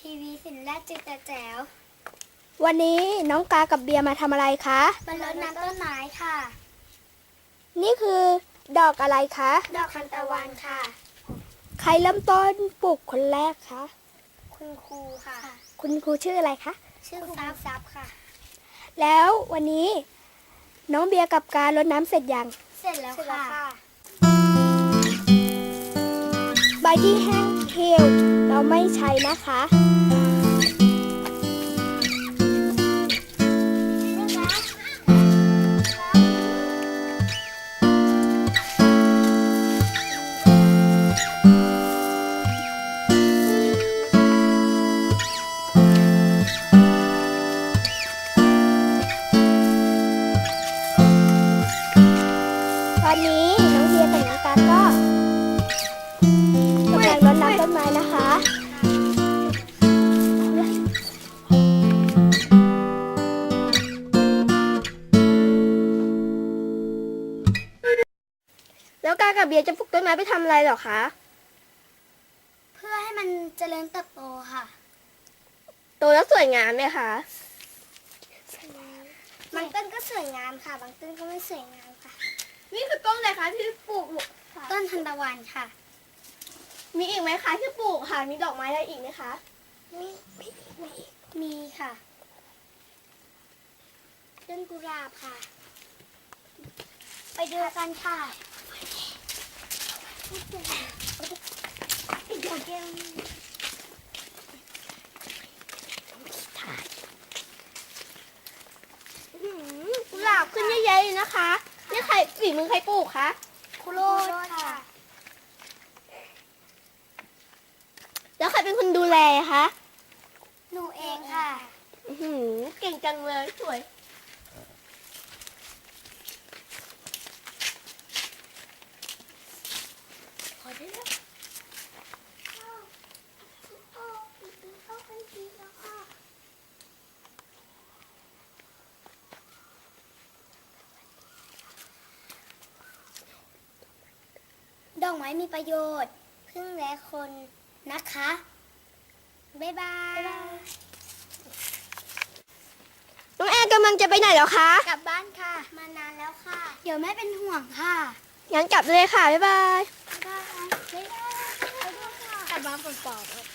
ทีวีสินแรกจิตแจ๋ววันนี้น้องกากับเบียร์มาทำอะไรคะมารดน้ำต้นไม้ค่ะนี่คือดอกอะไรคะดอกทานตะวันค่ะใครเริ่มต้นปลูกคนแรกคะคุณครูค่ะคุณครูชื่ออะไรคะชื่อครูซับค่ะแล้ววันนี้น้องเบียร์กับการรดน้ำเสร็จยังเสร็จแล้วค่ะใบที่แห้งเหี่ยวเราไม่ใช้นะคะวันนี้น้องเบียร์กับน้องกาก็กำลังรดน้ำต้นไม้นะคะแล้วกากับเบียร์จะปลูกต้นไม้ไปทำอะไรหรอคะเพื่อให้มันเจริญเติบโตค่ะโตแล้วสวยงามไหมคะบางต้นก็สวยงามค่ะ บางต้นก็ไม่สวยงามค่ะนี่คือต้นอะไรคะที่ปลูกต้นทานตะวันค่ะมีอีกไหมคะที่ปลูกค่ะ มีดอกไม้อะไรอีกไหมคะมีค่ะต้นกุหลาบค่ะ ไปดูกันค่ะกุหลาบขึ้นเยอะๆเลยนะคะนี่ใครฝีมือใครปลูกคะคุโรดค่ะแล้วใครเป็นคนดูแลคะหนูเองค่ะเก่งจังเลยสวยพอได้แล้วดอกไม้มีประโยชน์พึ่งและคนนะคะ บ๊ายบายน้องแอนกำลังจะไปไหนแล้วคะกลับบ้านค่ะ มานานแล้วค่ะ เดี๋ยวแม่เป็นห่วงค่ะงั้นกลับเลยค่ะ บ๊ายบายบ๊ายบายบ๊ายบายกลับบ้านปลอดๆ